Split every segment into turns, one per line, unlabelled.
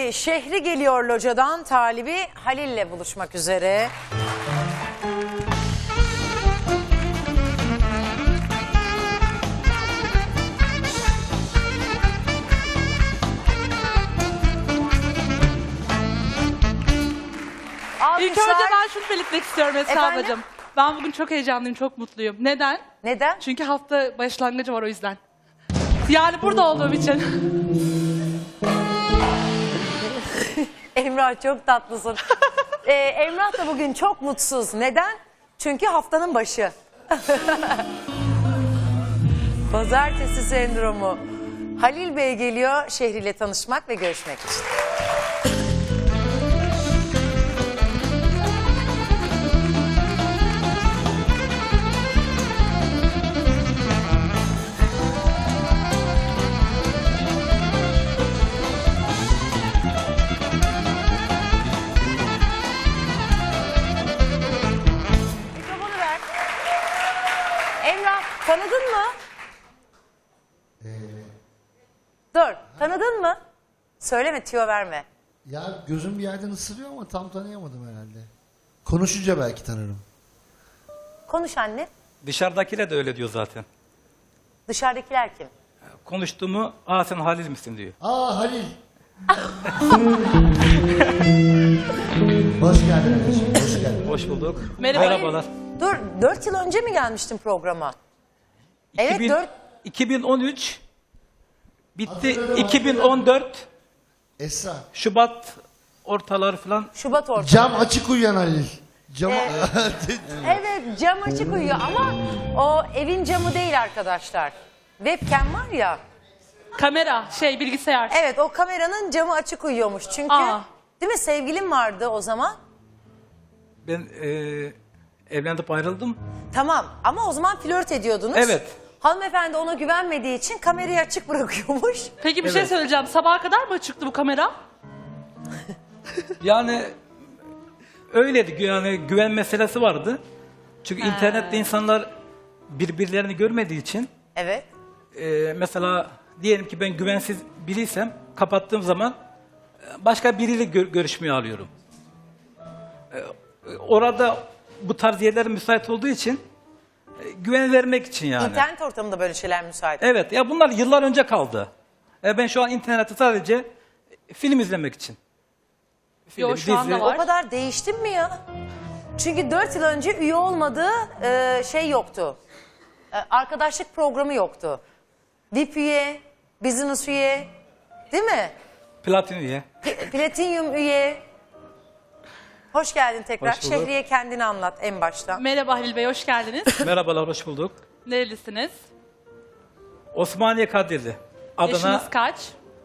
Şimdi Şehri geliyor locadan, talibi Halil'le buluşmak üzere.
İlk önce ben şunu belirtmek istiyorum Esra
Efendim?
ablacığım. Ben bugün çok heyecanlıyım, çok mutluyum. Neden?
Neden?
Çünkü hafta başlangıcı var o yüzden. Yani burada olduğum için.
Emrah çok tatlısın. Emrah da bugün çok mutsuz. Neden? Çünkü haftanın başı. Pazartesi sendromu. Halil Bey geliyor şehriyle tanışmak ve görüşmek için. Mikrofonu ver. Emrah, tanıdın mı? Dur, tanıdın mı? Söyleme, tüyo verme.
Ya gözüm bir yerden ısırıyor ama tam tanıyamadım herhalde. Konuşunca belki tanırım.
Konuş anne.
Dışarıdakiler de öyle diyor zaten.
Dışarıdakiler kim?
Konuştuğumu, sen Halil misin diyor.
Aa Halil. Hoş geldin anneciğim, hoş geldin.
Hoş bulduk.
Merhaba.
Merhabalar.
Dur, 4 yıl önce mi gelmiştin programa? Evet,
2000
4.
2013 bitti.
Hatırladım,
2014
Esra.
Şubat ortaları falan.
Şubat ortası.
Cam açık uyuyan Halil. Cam...
Evet, cam açık uyuyor ama o evin camı değil arkadaşlar. Webcam var ya.
Kamera, bilgisayar.
Evet, o kameranın camı açık uyuyormuş. Çünkü
Aa.
değil mi, sevgilim vardı o zaman.
Ben evlenip ayrıldım.
Tamam ama o zaman flört ediyordunuz.
Evet.
Hanımefendi ona güvenmediği için kamerayı açık bırakıyormuş.
Peki bir şey
Evet.
söyleyeceğim. Sabaha kadar mı çıktı bu kamera?
Yani öyleydi. Yani güven meselesi vardı. Çünkü internette insanlar birbirlerini görmediği için
Evet.
mesela diyelim ki ben güvensiz biriysem kapattığım zaman başka biriyle görüşmeyi alıyorum. Orada bu tarz yerler müsait olduğu için güven vermek için yani.
İnternet ortamında böyle şeyler müsait.
Evet ya bunlar yıllar önce kaldı. Ben şu an internette sadece film izlemek için.
Yo, şu anda var.
O kadar değiştin mi ya? Çünkü 4 yıl önce üye olmadığı şey yoktu. Arkadaşlık programı yoktu. VIP üye, business üye, değil mi?
Platin üye.
Platinum üye. Hoş geldin tekrar.
Hoş bulduk.
Şehriye kendini anlat en baştan.
Merhaba Halil Bey, hoş geldiniz.
Merhabalar, hoş bulduk.
Nerelisiniz?
Osmaniye Kadirli. Adana
Yaşınız kaç?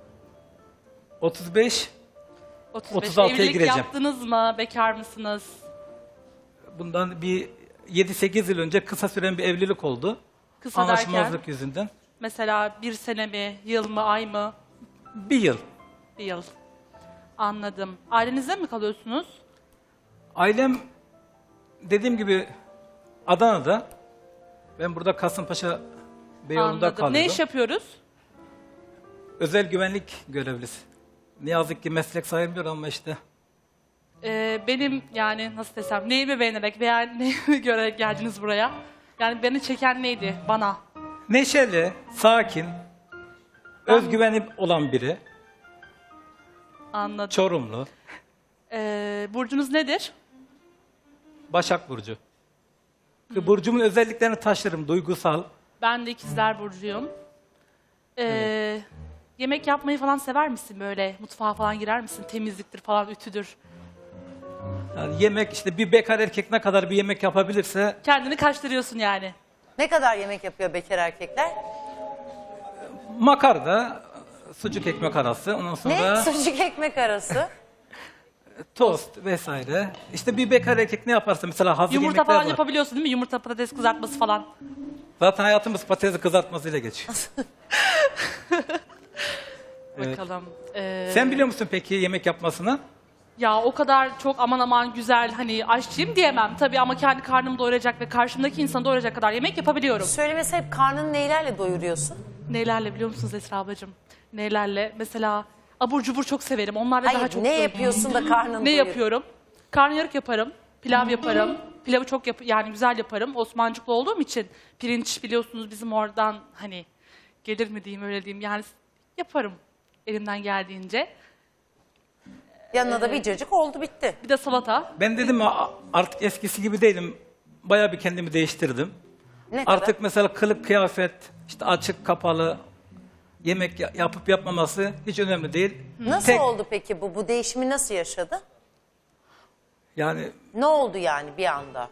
35.
35.
36'ya
Evlilik
gireceğim.
yaptınız mı? Bekar mısınız?
Bundan bir 7-8 yıl önce kısa süren bir evlilik oldu.
Kısa
Anlaşmazlık
derken?
yüzünden.
Mesela 1 sene mi, yıl mı, ay mı?
Bir yıl.
1 yıl. Anladım. Ailenizde mi kalıyorsunuz?
Ailem dediğim gibi Adana'da. Ben burada Kasımpaşa Beyoğlu'nda
Anladım.
kalıyordum.
Ne iş yapıyoruz?
Özel güvenlik görevlisi. Ne yazık ki meslek sayılmıyor ama işte.
Benim yani nasıl desem, neyimi beğenerek veya neyimi görerek geldiniz buraya? Yani beni çeken neydi bana?
Neşeli, sakin, özgüveni olan biri.
Anladım.
Çorumlu,
Burcunuz nedir?
Başak Burcu. Burcumun özelliklerini taşırım, duygusal.
Ben de ikizler burcuyum. Yemek yapmayı falan sever misin böyle? Mutfağa falan girer misin? Temizliktir falan, ütüdür.
Yani yemek işte bir bekar erkek ne kadar bir yemek yapabilirse
Kendini kaçtırıyorsun yani.
Ne kadar yemek yapıyor bekar erkekler?
makarna, sucuk ekmek arası, ondan sonra
Ne? Sucuk ekmek arası.
tost vesaire. İşte bir bekar erkek ne yaparsa mesela hazır
Yumurta
yemekler
falan
var.
yapabiliyorsun değil mi? Yumurta, patates kızartması falan.
Zaten hayatımız patatesi kızartmasıyla geçiyor. Evet.
Bakalım.
Sen biliyor musun peki yemek yapmasını?
Ya o kadar çok aman aman güzel hani aşçıyım diyemem tabii ama kendi karnımı doyuracak ve karşımdaki insanı doyuracak kadar yemek yapabiliyorum.
Söylemesi hep karnını neylerle doyuruyorsun?
Nelerle biliyor musunuz Esra ablacığım? Nelerle? Mesela Abur cubur çok severim. Onlarla daha
Hayır
çok
ne
doyurum.
yapıyorsun da karnın
Ne
doyuyor?
yapıyorum? Karnıyarık yaparım. Pilav yaparım. Pilavı çok yani güzel yaparım. Osmancıklı olduğum için pirinç biliyorsunuz bizim oradan hani gelir mi diyeyim öyle diyeyim. Yani yaparım elimden geldiğince.
Yanına da bir cacık oldu bitti.
Bir de salata.
Ben dedim artık eskisi gibi değilim. Bayağı bir kendimi değiştirdim.
Ne kadar?
Artık mesela kılık kıyafet, işte açık kapalı, yemek yapıp yapmaması hiç önemli değil.
Nasıl
Tek-
oldu peki bu? Bu değişimi nasıl yaşadı?
Yani
Ne oldu yani bir anda?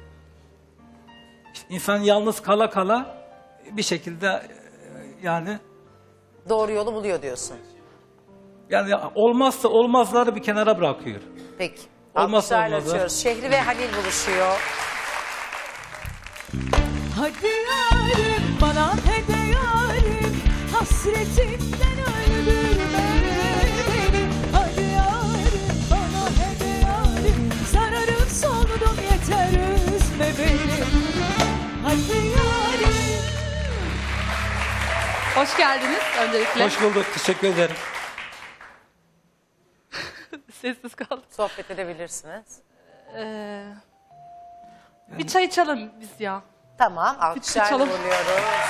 insan yalnız kala kala bir şekilde yani
Doğru yolu buluyor diyorsun.
olmazsa olmazları bir kenara bırakıyor.
Peki.
Olmazsa
Alkışlarla
olmazlar.
açıyoruz. Şehri ve Halil buluşuyor.
Hadi yarim bana hede yarim hasretinden öldürme beni. Hadi yarim bana hede yarim sararıp soldum yeter üzme beni. Hadi yarim.
Hoş geldiniz öncelikle.
Hoş bulduk, teşekkür ederim.
Sessiz kaldım.
Sohbet edebilirsiniz.
Bir çay içelim biz ya.
Tamam. Alkışlarla
Kaçalım.
buluyoruz.